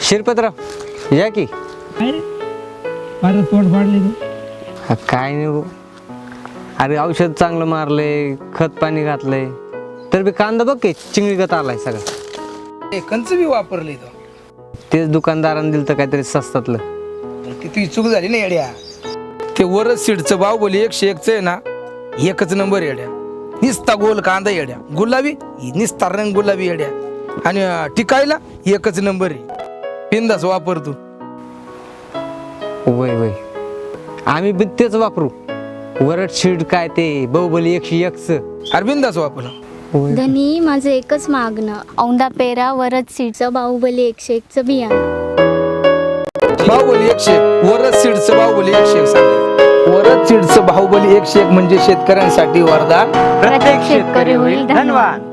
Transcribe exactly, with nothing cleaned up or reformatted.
शिरपतराव या की. काय रे फारच पोट फाडले तू. हा, काय नाही भाऊ. अरे औषध चांगलं मारलंय, खत पाणी घातलंय, तर बी कांदा बघ की चिंगळीगत आलाय सगळं. ते कंच बी वापरले तो. तेच दुकानदारानं दिलं तर काहीतरी स्वस्तातलं. किती चूक झाली ना येड्या. ते वरच सीडचं बाहुबली एकशे एकच आहे ना, एकच नंबर येड्या. निस्ता गोल कांदा येड्या, गुलाबी निस्ता रंग गुलाबी येड्या, आणि अं, टिकायला एकच नंबर आहे. बिंदास वापर तू. वय वय आम्ही बी तेच वापरू. वरट शीड काय ते बाहुबली एकशे एकच. अरे बिंदास वापर. धनी माझं एकच मागणं, औंदा पेरा वरद सीडचं बाहुबली एकशे एकचं बियाणं. बाहुबली एकशे एक वरच सीडचं बाहुबली एकशे एक सांगायचं. वरच सीडचं बाहुबली एकशे एक म्हणजे शेतकऱ्यांसाठी वरदान. प्रत्येक शेतकरी होईल धनवान.